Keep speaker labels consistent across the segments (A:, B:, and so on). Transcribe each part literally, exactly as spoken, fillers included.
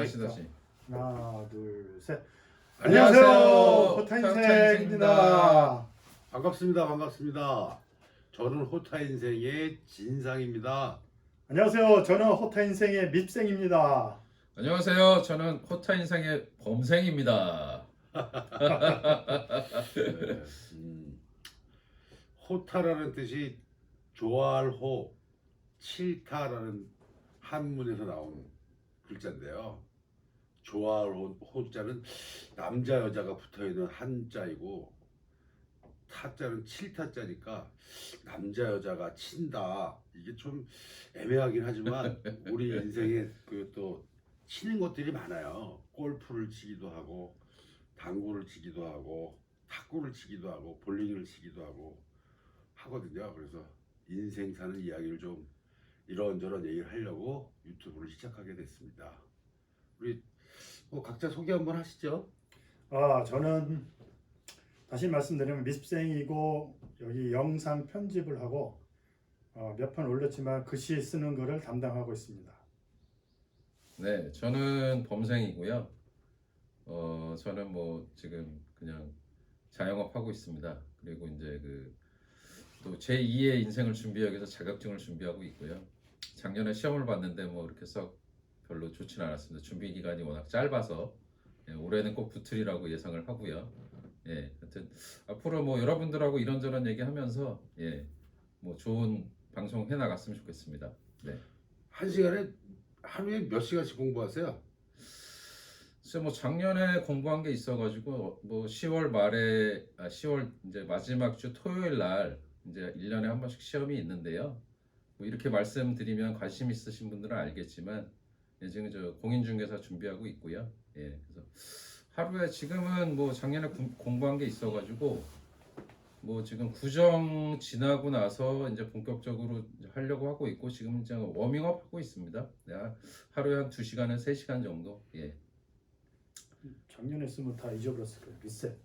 A: 다시 다시.
B: 하나, 둘, 셋.
A: 안녕하세요.
B: 안녕하세요. 호타인생입니다.
C: 반갑습니다. 반갑습니다. 저는 호타 인생의 진상입니다.
B: 안녕하세요. 저는 호타인생의 밉생입니다.
A: 안녕하세요. 저는 호타 인생의 범생입니다.
C: 네, 음, 호타라는 뜻이 좋아할 호, 싫다라는 한문에서 나온 글자인데요. 좋아할 호, 호자는 남자 여자가 붙어있는 한자이고 타자는 칠타자니까 남자 여자가 친다. 이게 좀 애매하긴 하지만 우리 인생에 그 또 치는 것들이 많아요. 골프를 치기도 하고 당구를 치기도 하고 탁구를 치기도 하고 볼링을 치기도 하고 하거든요. 그래서 인생 사는 이야기를 좀 이런저런 얘기를 하려고 유튜브를 시작하게 됐습니다. 우리 뭐 각자 소개 한번 하시죠.
B: 아, 저는 다시 말씀드리면 밉생이고 여기 영상 편집을 하고 어, 몇 편 올렸지만 글씨 쓰는 거를 담당하고 있습니다.
A: 네, 저는 범생이고요. 어, 저는 뭐 지금 그냥 자영업 하고 있습니다. 그리고 이제 그 또 제이의 인생을 준비하기 위해서 자격증을 준비하고 있고요. 작년에 시험을 봤는데 뭐 이렇게 썩 별로 좋지는 않았습니다. 준비 기간이 워낙 짧아서 예, 올해는 꼭 붙으리라고 예상을 하고요. 예, 하여튼 앞으로 뭐 여러분들하고 이런저런 얘기하면서 예, 뭐 좋은 방송 해 나갔으면 좋겠습니다. 네.
C: 한 시간에 하루에 몇 시간씩 공부하세요?
A: 글쎄 뭐 작년에 공부한 게 있어가지고 뭐 시월 말에 아 시월 이제 마지막 주 토요일 날 이제 일 년에 한 번씩 시험이 있는데요. 뭐 이렇게 말씀드리면 관심 있으신 분들은 알겠지만 예, 지금 저 공인중개사 준비하고 있고요. 예, 그래서 하루에 지금은 뭐 작년에 구, 공부한 게 있어가지고 뭐 지금 구정 지나고 나서 이제 본격적으로 하려고 하고 있고 지금 이제 워밍업 하고 있습니다. 내가 하루에 한 두 시간에서 세 시간 정도. 예.
B: 작년에 쓰면 다 잊어버렸을 거예요. 리셋.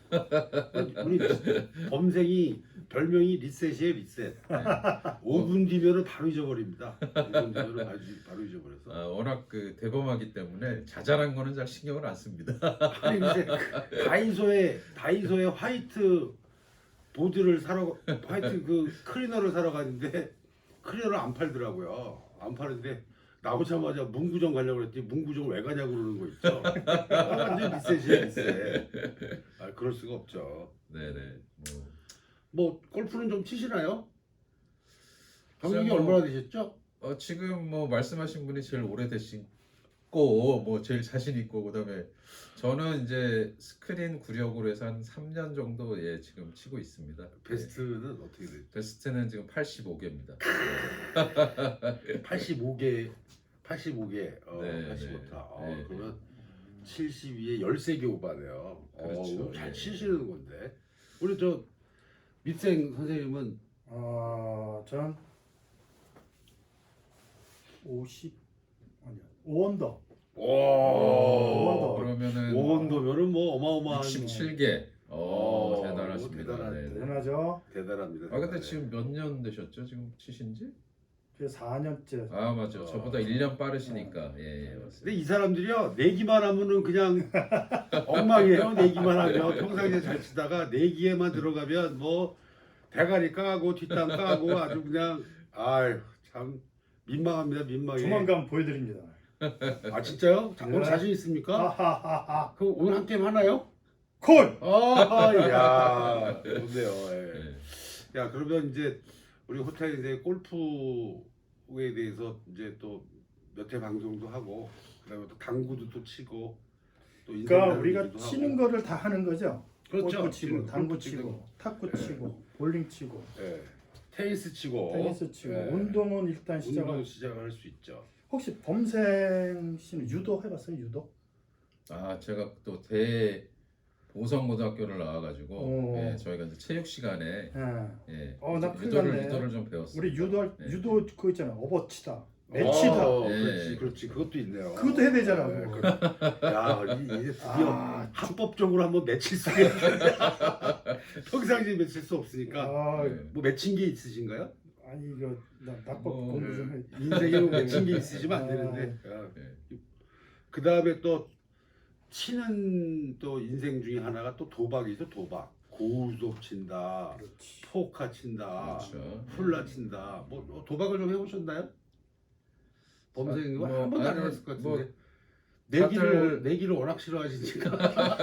C: 우리 범생이 별명이 리셋이에요. 리셋. 오 분 뒤면은 바로 잊어버립니다. 오 분 뒤면은 바로, 바로 잊어버려서.
A: 아, 워낙 그 대범하기 때문에 자잘한 거는 잘 신경을 안 씁니다.
C: 아니 근데 그 다이소에 다이소에 화이트 보드를 사러 화이트 그 클리너를 사러 갔는데 클리너를 안 팔더라고요. 안 파는데 나오자마자 문구점 가려고 그랬더니 문구점 왜 가냐고 그러는 거 있죠. 아, 완전 리셋이야 리셋. 아 그럴 수가 없죠.
A: 네네. 뭐,
C: 뭐 골프는 좀 치시나요? 경력이
A: 뭐,
C: 얼마나 되셨죠?
A: 어, 지금 뭐 말씀하신 분이 제일 오래되시고 뭐 제일 자신 있고 그다음에 저는 이제 스크린 구력으로 해서 한 삼 년 정도 예 지금 치고 있습니다.
C: 베스트는
A: 예.
C: 어떻게 되죠?
A: 베스트는 지금 팔십오 개입니다.
C: 팔십오 개, 팔십오 개, 어,
A: 네,
C: 팔십오
A: 네.
C: 타. 어,
A: 네,
C: 그러면 칠십이에 십삼 개 오바네요.
A: 그렇죠.
C: 어, 잘
A: 예.
C: 치시는 건데. 우리 저 밑생 선생님은
B: 어, 전 오십 아니야. 오 언더.
C: 오,
B: 오,
A: 그러면은
C: 오 원도면은 뭐 어마어마한
A: 육십칠 개. 어,
C: 어,
A: 대단하십니다.
C: 대단한-
A: 네, 네.
B: 대단하죠.
C: 대단합니다.
A: 아 근데
C: 대단해.
A: 지금 몇 년 되셨죠? 지금 치신지?
B: 그게 사 년째.
A: 아 맞아.
C: 어.
A: 저보다 일 년 빠르시니까. 예, 예 맞습니다.
C: 근데 이 사람들이요 내기만 하면은 그냥 엉망이에요. 내기만 하면 평상시에 잘 치다가 내기에만 들어가면 뭐 대가리 까고 뒷담 까고 아주 그냥 아유 참 민망합니다. 민망해.
B: 조만간 보여드립니다.
C: 아 진짜요? 자, 오늘
B: 네.
C: 자신 있습니까?
B: 하하하하.
C: 그 오늘 한 게임 하나요?
B: 콜.
C: 아, 야, 좋네요. 예.
A: 네.
C: 야, 그러면 이제 우리 호텔 이제 골프에 대해서 이제 또 몇 회 방송도 하고, 그다음에 또 당구도 또 치고, 또 인생
B: 그러니까
C: 나누기도
B: 우리가
C: 하고.
B: 치는 거를 다 하는 거죠.
C: 그렇죠.
B: 골프 치고,
C: 지금
B: 당구
C: 골프
B: 치고,
C: 치고,
B: 탁구
C: 네.
B: 치고, 볼링 치고,
C: 예, 테니스 치고,
B: 테니스 치고,
C: 예,
B: 운동은 일단 시작을.
C: 운동 시작할 수 있죠.
B: 혹시 범생 씨는 유도 해봤어요? 유도?
A: 아 제가 또 대 보성고등학교를 나와가지고
B: 오.
A: 예, 저희가 이제 체육 시간에
B: 예.
A: 예,
B: 어, 나 큰일
A: 유도를
B: 났네.
A: 유도를 좀 배웠어요.
B: 우리 유도
A: 네.
B: 유도 그거 있잖아. 업어치다, 매치다.
C: 어,
A: 예.
C: 그렇지, 그렇지, 그것도 있네요.
B: 그것도 해야 되잖아.
C: 예,
B: 그거.
C: 그- 야, 이- 이제 드디어
B: 아,
C: 합법적으로 한번 맺힐 수 있는 평상시에 맺힐 수 없으니까
B: 아,
A: 네.
C: 뭐 맺힌 게 있으신가요?
B: 아니 이거 나 낙법
A: 뭐,
B: 공부 좀 해.
C: 인생에 뭐 맺힌 게 있으시면 안 되는데 야,
A: 예.
C: 그 다음에 또 치는 또 인생 중에 하나가 또 도박이죠. 도박. 고우톱 친다,
B: 그렇지.
C: 포카 친다,
A: 그렇죠.
C: 훌라 친다. 뭐, 뭐 도박을 좀 해보셨나요? 범생이
A: 뭐,
C: 한 번도 안
A: 아니,
C: 해봤을 것 같은데.
A: 뭐,
C: 내기를
A: 다들-
C: 내기를 워낙 싫어하시니까.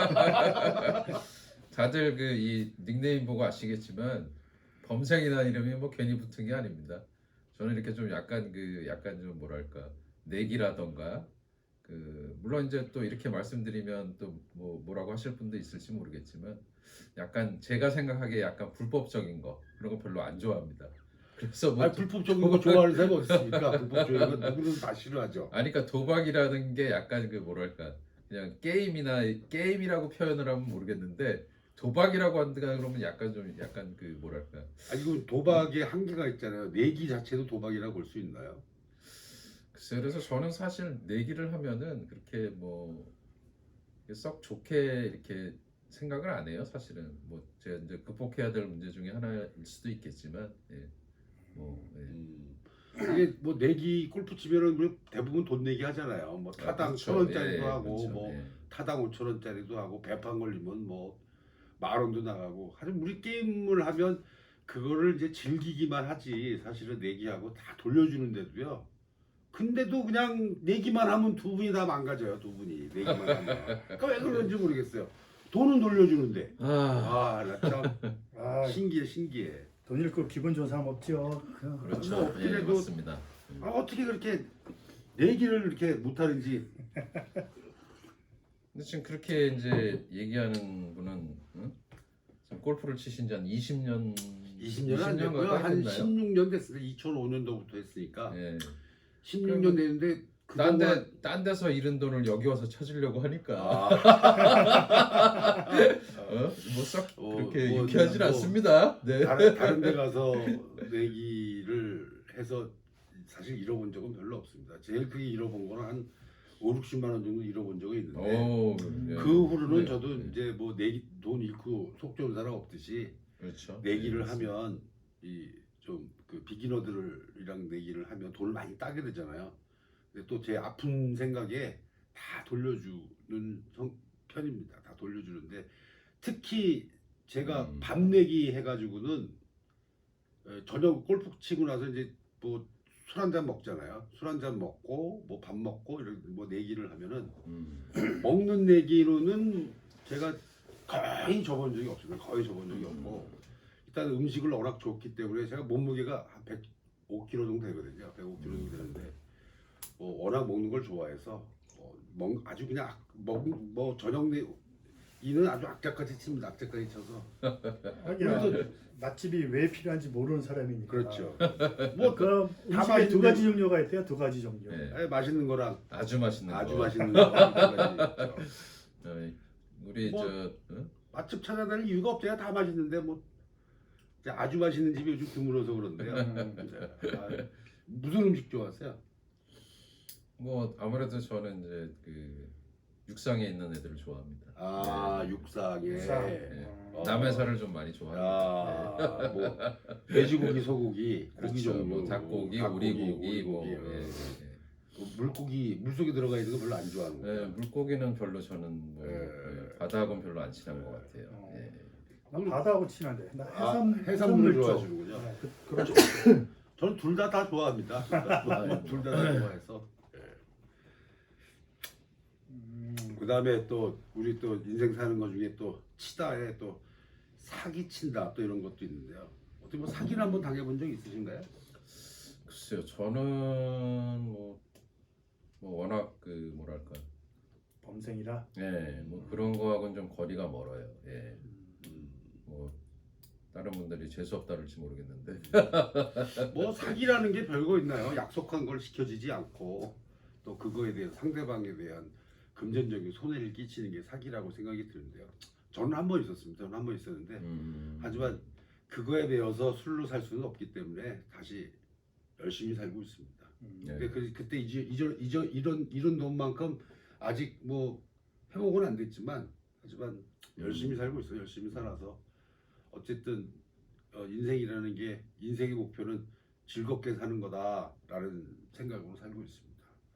A: 다들 그 이 닉네임 보고 아시겠지만 범생이라는 이름이 뭐 괜히 붙은 게 아닙니다. 저는 이렇게 좀 약간 그 약간 좀 뭐랄까 내기라던가 그 물론 이제 또 이렇게 말씀드리면 또 뭐 뭐라고 하실 분도 있을지 모르겠지만 약간 제가 생각하기에 약간 불법적인 거 그런 거 별로 안 좋아합니다. 그래서 뭐
C: 아니, 불법적인 거 좋아하는 사람이 어디 있습니까? 불법적인 거 누구든 다 싫어하죠.
A: 아니 그러니까 도박이라는 게 약간 그 뭐랄까 그냥 게임이나 게임이라고 표현을 하면 모르겠는데 도박이라고 한다 그러면 약간 좀 약간 그 뭐랄까
C: 아니 이거 도박의 한계가 있잖아요. 내기 자체도 도박이라고 볼 수 있나요?
A: 글쎄 그래서 저는 사실 내기를 하면은 그렇게 뭐 썩 좋게 이렇게 생각을 안 해요 사실은 뭐 제가 이제 극복해야 될 문제 중에 하나일 수도 있겠지만 예. 뭐 예.
C: 음, 이게 뭐 내기 골프 치면은 뭐 대부분 돈 내기 하잖아요. 뭐 타당
A: 그렇죠.
C: 천 원짜리도
A: 예,
C: 하고
A: 그렇죠.
C: 뭐
A: 예.
C: 타당 오천 원짜리도 하고 배판 걸리면 뭐 만 원도 나가고. 하여튼 우리 게임을 하면 그거를 이제 즐기기만 하지 사실은 내기하고 다 돌려주는데도요. 근데도 그냥 내기만 하면 두 분이 다 망가져요. 두 분이 내기만 하면. 그러니까 왜 그런지 모르겠어요. 돈은 돌려주는데.
A: 아
C: 아, 나 참
B: 아,
C: 신기해, 신기해.
B: 돈 잃고 기분 좋은 사람 없죠. 그냥
A: 그렇죠.
C: 뭐 없긴
A: 예,
C: 해도-
A: 맞습니다. 음.
C: 아, 어떻게 그렇게 내기를 이렇게 못하는지.
A: 근데 지금 그렇게 이제 얘기하는 분은 응? 지금 골프를 치신 지 한 이십 년
C: 이십 년 안 됐고요.
A: 가까이
C: 한
A: 됐나요?
C: 십육 년 됐어요. 이천오 년도부터 했으니까
A: 예.
C: 십육 년 됐는데
A: 딴,
C: 그동안
A: 데, 딴 데서 잃은 돈을 여기 와서 찾으려고 하니까
C: 아,
A: 어? 뭐썩
C: 어,
A: 그렇게
C: 뭐,
A: 유쾌하진
C: 뭐,
A: 않습니다. 네.
C: 다른 다른 데 가서 내기를 해서 사실 잃어본 적은 별로 없습니다. 제일 크게 잃어본 거는 한 오, 육십만 원 정도 잃어본 적이 있는데
A: 오, 예.
C: 그 후로는
A: 네,
C: 저도
A: 네.
C: 이제 뭐 내기 돈 잃고 속 좋은 사람 없듯이
A: 그렇죠.
C: 내기를
A: 네, 맞습니다.
C: 하면 이 좀 그 비기너들이랑 내기를 하면 돈을 많이 따게 되잖아요. 근데 또 제 아픈 생각에 다 돌려주는 성, 편입니다. 다 돌려주는데 특히 제가
A: 음.
C: 밤 내기 해가지고는 에, 저녁 골프 치고 나서 이제 뭐 술 한 잔 먹잖아요. 술 한 잔 먹고 뭐 밥 먹고 이런 뭐 내기를 하면은
A: 음.
C: 먹는 내기로는 제가 거의 접은 적이 없습니다. 거의 접은 적이 없고 일단 음식을 워낙 좋기 때문에 제가 몸무게가 한 백오 킬로그램 정도 되거든요. 백오 킬로그램 정도 되는데 뭐 워낙 먹는 걸 좋아해서 어, 먹, 아주 그냥 악- 먹, 뭐 저녁 내기는 아주 악착같이 칩니다. 악착같이 쳐서
B: 하긴 맛집이 왜 필요한지 모르는 사람이니까.
C: 그렇죠. 뭐 그,
B: 그럼
C: 다
B: 음식에 두
C: 맛있는-
B: 가지 종류가 있대요. 두 가지 종류.
A: 네.
C: 맛있는 거랑
A: 아주 맛있는
C: 아주
A: 거.
C: 맛있는 거 두 가지 있죠.
A: 어, 우리
C: 뭐-
A: 저 응?
C: 맛집 찾아다닐 이유가 없어요. 다 맛있는데 뭐 이제 아주 맛있는 집이 요즘 드물어서 그런데요.
B: 음.
C: 아, 무슨 음식 좋아하세요?
A: 뭐 아무래도 저는 이제 그 육상에 있는 애들을 좋아합니다.
C: 아
A: 네.
C: 육상에
B: 육상.
A: 네.
B: 어.
A: 남의 살을 좀 많이 좋아합니다.
C: 아, 뭐 돼지고기, 소고기,
A: 그렇죠.
C: 고기 종류,
A: 뭐 닭고기,
C: 닭고기,
A: 오리고기, 뭐
C: 오리고기,
A: 예,
C: 어.
A: 예,
C: 뭐 물고기 물속에 들어가 있는 거 별로 안 좋아하는
A: 예.
C: 거예요.
A: 예, 물고기는 별로 저는 뭐
C: 예.
A: 예, 바다하고는 별로 안 친한 것 같아요.
B: 어.
A: 예.
B: 난 바다하고 친한데. 나
C: 아,
B: 해삼
C: 해산물을
B: 쪽.
C: 좋아하시는군요.
B: 네, 그, 그렇죠.
C: 저는 둘 다 다 좋아합니다. 둘 다 다 좋아해서.
B: 음,
C: 그 다음에 또 우리 또 인생 사는 것 중에 또 치다에 또 사기 친다 또 이런 것도 있는데요. 어떻게 뭐 사기를 한번 당해본 적 있으신가요?
A: 글쎄요, 저는 뭐, 뭐 워낙 그 뭐랄까,
B: 범생이라.
A: 예, 뭐 그런 거하고는 좀 거리가 멀어요. 예,
C: 음,
A: 뭐 다른 분들이 재수 없다 그럴지 모르겠는데.
C: 뭐 사기라는 게 별거 있나요? 약속한 걸 지켜지지 않고 또 그거에 대해서 상대방에 대한 금전적인 손해를 끼치는 게 사기라고 생각이 드는데요. 저는 한 번 있었습니다. 저는 한 번 있었는데
A: 음,
C: 하지만 그거에 대해서 술로 살 수는 없기 때문에 다시 열심히 살고 있습니다.
B: 음,
A: 네.
C: 근데 그, 그때 이제 이전 이전 이런 이런 돈만큼 아직 뭐 회복은 안 됐지만 하지만 열심히 살고 있어요. 열심히 살아서 어쨌든 어, 인생이라는 게 인생의 목표는 즐겁게 사는 거다라는 생각으로 살고 있습니다.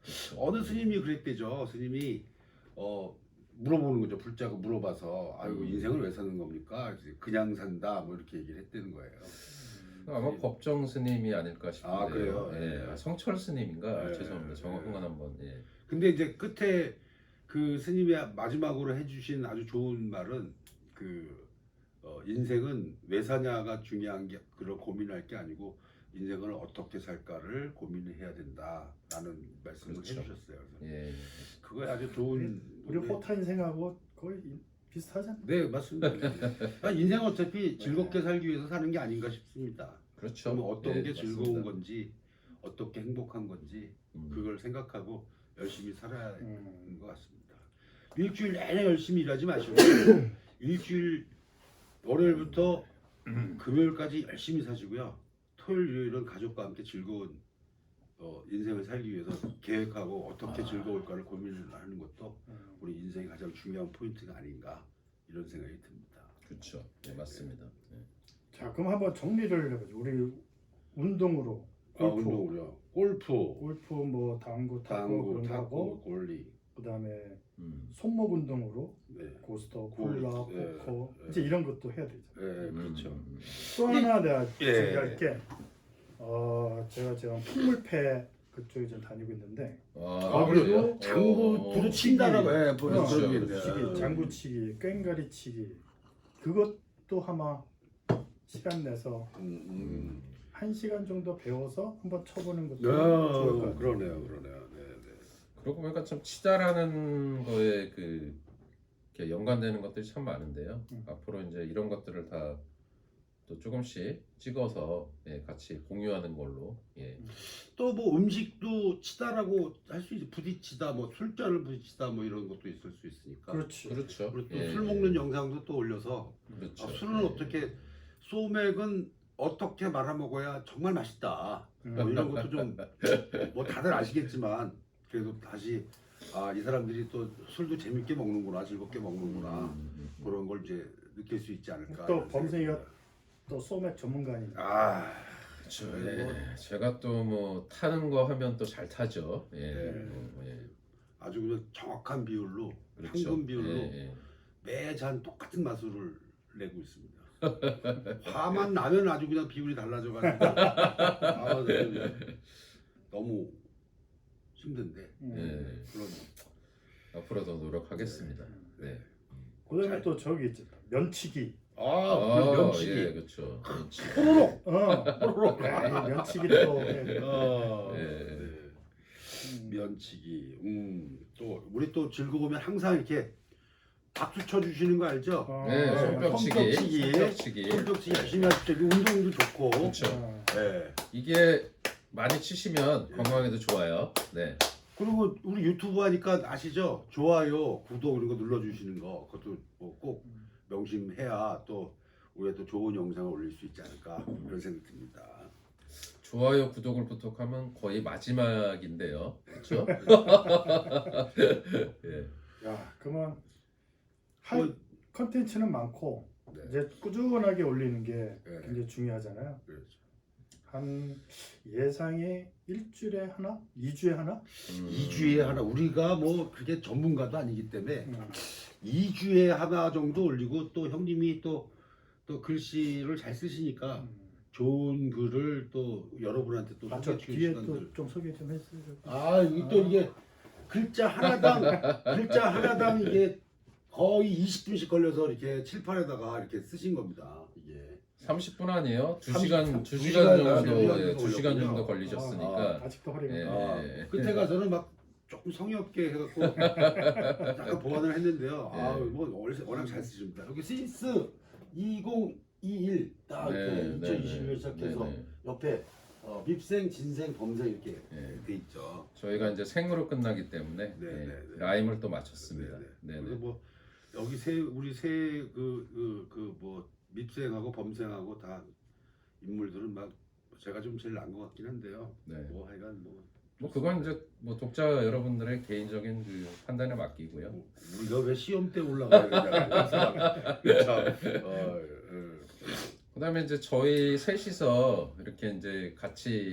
C: 어느 스님이 그랬대죠. 스님이 어 물어보는 거죠. 불자가 물어봐서 아이고
A: 음.
C: 인생을 왜 사는 겁니까? 이제 그냥 산다 뭐 이렇게 얘기를 했다는 거예요.
A: 아마 법정 스님이 아닐까 싶은데요.
C: 아, 그래요?
A: 예.
C: 예.
A: 아, 성철 스님인가?
C: 예,
A: 죄송합니다.
C: 예.
A: 정확한 건 한번. 예.
C: 근데 이제 끝에 그 스님이 마지막으로 해주신 아주 좋은 말은 그 어, 인생은 왜 사냐가 중요한 게 그걸 고민할 게 아니고 인생을 어떻게 살까를 고민해야 된다라는 말씀을
A: 그렇죠.
C: 해주셨어요. 그래서
A: 예.
C: 그거에 아주 좋은
B: 우리 호타 인생하고 거의 비슷하잖아.
C: 네 맞습니다. 아, 인생 어차피 즐겁게 살기 위해서 사는 게 아닌가 싶습니다.
A: 그렇죠.
C: 그럼 어떤
A: 예,
C: 게
A: 맞습니다.
C: 즐거운 건지 어떻게 행복한 건지
A: 음.
C: 그걸 생각하고 열심히 살아야 하는
B: 음.
C: 것 같습니다. 일주일 내내 열심히 일하지 마시고 일주일 월요일부터 금요일까지 열심히 사시고요. 토요일 일요일은 가족과 함께 즐거운 어, 인생을 살기 위해서 계획하고 어떻게 즐거울까를 고민을 하는 것도
B: 음.
C: 우리 인생의 가장 중요한 포인트가 아닌가 이런 생각이 듭니다.
A: 그렇죠. 예, 맞습니다. 예.
B: 자, 그럼 한번 정리를 해보죠. 우리 운동으로
C: 아,
B: 골프,
C: 운동으로요. 골프,
B: 골프 뭐 당구, 탁구
C: 당구,
B: 그런 거
C: 탁구,
B: 하고
C: 골리,
B: 그다음에
A: 음.
B: 손목 운동으로
C: 네,
B: 고스터,
C: 골,
B: 콜라,
C: 예,
B: 포커
C: 예.
B: 이제 이런 것도 해야 되죠.
C: 네, 그렇죠.
A: 음, 음,
B: 또 하나 내가
C: 예.
B: 준비할 게 어, 제가 지금 풍물패 그쪽에 좀 다니고 있는데
A: 음.
C: 아,
A: 아,
C: 그래요?
A: 그래요?
C: 장구
A: 어,
C: 부딪힌다라고 예,
B: 어,
C: 그런
A: 그렇죠,
C: 게
A: 그렇죠.
C: 있네요.
B: 치기, 장구치기, 꽹가리치기 그것도 아마 시간 내서
C: 음, 음.
B: 한 시간 정도 배워서 한번 쳐보는 것도
C: 야,
B: 좋을 것 같아요.
C: 그러네요, 그러네요. 네, 네.
A: 그러고 보니까 참 치자라는 거에 그 이렇게 연관되는 것들이 참 많은데요.
B: 음.
A: 앞으로 이제 이런 것들을 다 또 조금씩 찍어서 예, 같이 공유하는 걸로. 예.
C: 또 뭐 음식도 치다라고 할 수 있지. 부딪히다, 뭐 술잔을 부딪히다, 뭐 이런 것도 있을 수 있으니까.
B: 그렇지.
A: 그렇죠.
C: 그리고 또
A: 예,
C: 술 먹는 영상도 또 올려서
A: 그렇죠.
C: 아, 술은
A: 예.
C: 어떻게 소맥은 어떻게 말아 먹어야 정말 맛있다.
B: 음.
C: 뭐 이런 것도 좀 뭐 다들 아시겠지만 그래도 다시 아, 이 사람들이 또 술도 재밌게 먹는구나, 즐겁게 먹는구나
A: 음, 음, 음.
C: 그런 걸 이제 느낄 수 있지 않을까.
B: 또
C: 이런 생각이
B: 범생이가
C: 듭니다.
B: 또 소맥 전문가니까.
C: 아,
A: 그렇죠. 예. 제가 또 뭐 타는 거 하면 또 잘 타죠. 예.
C: 네.
A: 뭐, 예.
C: 아주 그냥 정확한 비율로
A: 그렇죠.
C: 황금 비율로
A: 예, 예.
C: 매잔 똑같은 마술을 내고 있습니다. 화만 나면 아주 그냥 비율이 달라져가지고 아, 네. 너무 힘든데
B: 음.
A: 예.
C: 그런
A: 앞으로 더 노력하겠습니다. 네.
B: 그다음에
C: 잘-
B: 또 저기 있지 면치기.
C: 아,
A: 아,
C: 그 면치기
A: 예, 그렇죠. 면치기.
C: 호로록
B: 어,
C: 호로록
B: 아, 면치기 또 해야 돼.
C: 아,
A: 예.
C: 네.
B: 음.
C: 면치기 음, 또 우리 또 즐거우면 항상 이렇게 박수 쳐주시는 거 알죠?
B: 어,
A: 네,
B: 어,
A: 손뼉치기.
C: 손뼉치기.
A: 손뼉치기.
C: 손뼉치기 열심히 하십시오. 이거 운동도 좋고
A: 그렇죠.
B: 어.
C: 네.
A: 이게 많이 치시면 건강에도 좋아요. 네.
C: 그리고 우리 유튜브 하니까 아시죠? 좋아요, 구독 이런 거 눌러주시는 거 그것도 뭐 꼭 명심해야 또 우리가 또 좋은 영상을 올릴 수 있지 않을까 그런 생각이 듭니다.
A: 좋아요, 구독을 부탁하면 거의 마지막인데요. 그렇죠? 예.
B: 야, 그러면 할
C: 뭐,
B: 컨텐츠는 많고
C: 네,
B: 이제 꾸준하게 올리는 게
C: 네.
B: 굉장히 중요하잖아요.
C: 그렇죠.
B: 한 예상이 일주일에 하나, 이 주에 하나.
A: 음.
C: 이 주에 하나 우리가 뭐 그게 전문가도 아니기 때문에
B: 음.
C: 이 주에 하나 정도 올리고 또 형님이 또 또 글씨를 잘 쓰시니까
B: 음.
C: 좋은 글을 또 여러분한테 또
B: 아, 저
C: 소개해
B: 뒤에
C: 주시는
B: 또 좀 소개 좀 했어요.
C: 아, 이게 또 이게 글자 하나당 글자 하나당 이게 거의 이십 분씩 걸려서 이렇게 칠판에다가 이렇게 쓰신 겁니다. 이게
A: 삼십 분 아니에요? 두
C: 삼십
A: 시간
C: 분,
A: 두
C: 두
A: 시간
C: 시간
A: 정도
C: 정도
A: 예, 두 시간
C: 걸렸군요.
A: 정도 걸리셨으니까.
B: 아, 아직도 허리가.
A: 예.
C: 아, 끝에 가서는 막 조금 성의 없게 해갖고 약간 보완을 했는데요. 아,
A: 예.
C: 뭐 워낙- 워낙 잘 쓰십니다. 여기 시스 이천이십일 딱 이렇게
A: 네, 네,
C: 이천이십일
A: 네.
C: 시작해서
A: 네, 네.
C: 옆에 어, 밉생, 진생, 범생 이렇게
A: 예.
C: 돼 있죠.
A: 저희가 이제 생으로 끝나기 때문에
C: 네,
A: 예,
C: 네, 네.
A: 라임을 또 맞췄습니다.
C: 네,
A: 네,
C: 네.
A: 네.
C: 그래서 뭐 여기 세 우리 세그그그뭐 밉생하고 범생하고 다 인물들은 막 제가 좀 제일 나은 것 같긴 한데요.
A: 네.
C: 뭐 하여간 뭐,
A: 뭐 그건 이제 뭐 독자 여러분들의 개인적인 그 판단에 맡기고요.
C: 뭐 우리가 왜 시험 때 올라가야 되냐. 참. 어, 어.
A: 그다음에 이제 저희 셋이서 이렇게 이제 같이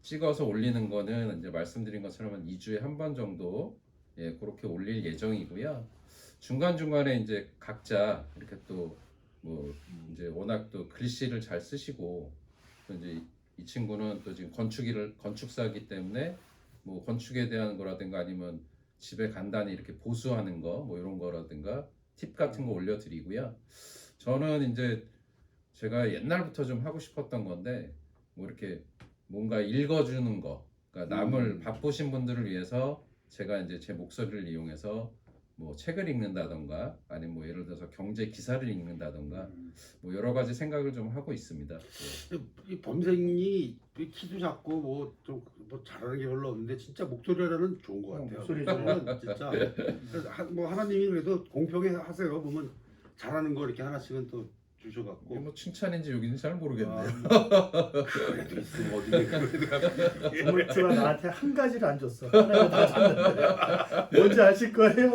A: 찍어서 올리는 거는 이제 말씀드린 것처럼 한 이 주에 한 번 정도 예, 그렇게 올릴 예정이고요. 중간 중간에 이제 각자 이렇게 또 뭐 이제 워낙 또 글씨를 잘 쓰시고 또 이제 이 친구는 또 지금 건축일을 건축사이기 때문에 뭐 건축에 대한 거라든가 아니면 집에 간단히 이렇게 보수하는 거 뭐 이런 거라든가 팁 같은 거 올려드리고요. 저는 이제 제가 옛날부터 좀 하고 싶었던 건데 뭐 이렇게 뭔가 읽어주는 거, 그러니까 남을
C: 음.
A: 바쁘신 분들을 위해서 제가 이제 제 목소리를 이용해서 뭐 책을 읽는다던가 아니면 뭐 예를 들어서 경제 기사를 읽는다던가 뭐 여러 가지 생각을 좀 하고 있습니다. 예.
C: 이 범생이 키도 작고 뭐 좀 뭐 잘하는 게 별로 없는데 진짜 목소리라는 좋은 것
B: 어,
C: 같아요.
B: 목소리
C: 목소리는 진짜 그래서 하- 뭐 하나님이 그래도 공평히 하세요. 보면 잘하는 거 이렇게 하나씩은 또
A: 이게
C: 주셔갖고.
A: 뭐 칭찬인지 욕인지 잘 모르겠네요.
C: 아, 그래도 있으면 어디 그래도
B: 물주가 나한테 한 가지를 안 줬어. 하나를 다 줬는데 뭔지 아실 거예요?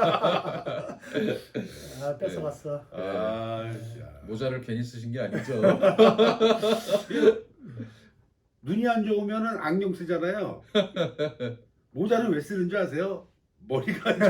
B: 아 뺏어갔어.
C: 아, 야.
A: 모자를 괜히 쓰신 게 아니죠.
C: 눈이 안 좋으면은 안경 쓰잖아요. 모자는 왜 쓰는 줄 아세요? 머리가 안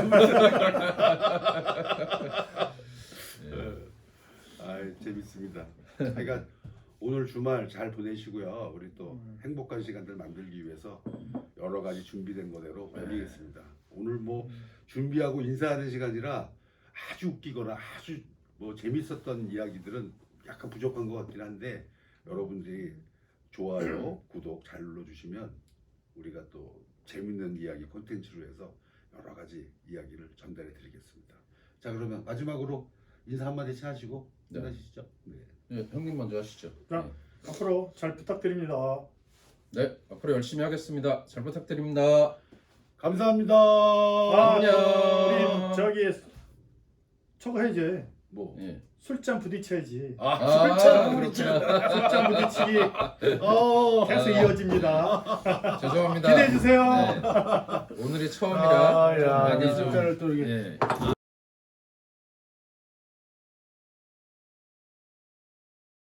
C: 좋으면. 아, 재밌습니다. 그러니까 오늘 주말 잘 보내시고요. 우리 또
B: 음.
C: 행복한 시간들 만들기 위해서 여러 가지 준비된 거대로 올리겠습니다. 오늘 뭐 준비하고 인사하는 시간이라 아주 웃기거나 아주 뭐 재밌었던 이야기들은 약간 부족한 것 같긴 한데 여러분들이 좋아요, 구독 잘 눌러주시면 우리가 또 재밌는 이야기 콘텐츠로 해서 여러 가지 이야기를 전달해 드리겠습니다. 자, 그러면 마지막으로 인사 한마디씩 하시고
A: 네.
C: 끝나시죠. 네.
A: 네, 형님 먼저 하시죠.
B: 자. 앞으로 잘 부탁드립니다.
A: 네, 네, 앞으로 열심히 하겠습니다. 잘 부탁드립니다.
C: 감사합니다.
B: 아,
A: 안녕.
B: 우리 저기 저거 해야지.
C: 뭐?
A: 예.
B: 술잔 부딪혀야지.
C: 아,
A: 아,
C: 술잔
A: 그렇구나.
B: 술잔 부딪히기
C: 어.
B: 계속
A: 아.
B: 이어집니다.
A: 죄송합니다.
B: 기대해 주세요.
A: 네. 오늘이 처음이라
B: 아, 야,
A: 많이 좀
C: 술잔을 또 이렇게
A: 예.
C: 아,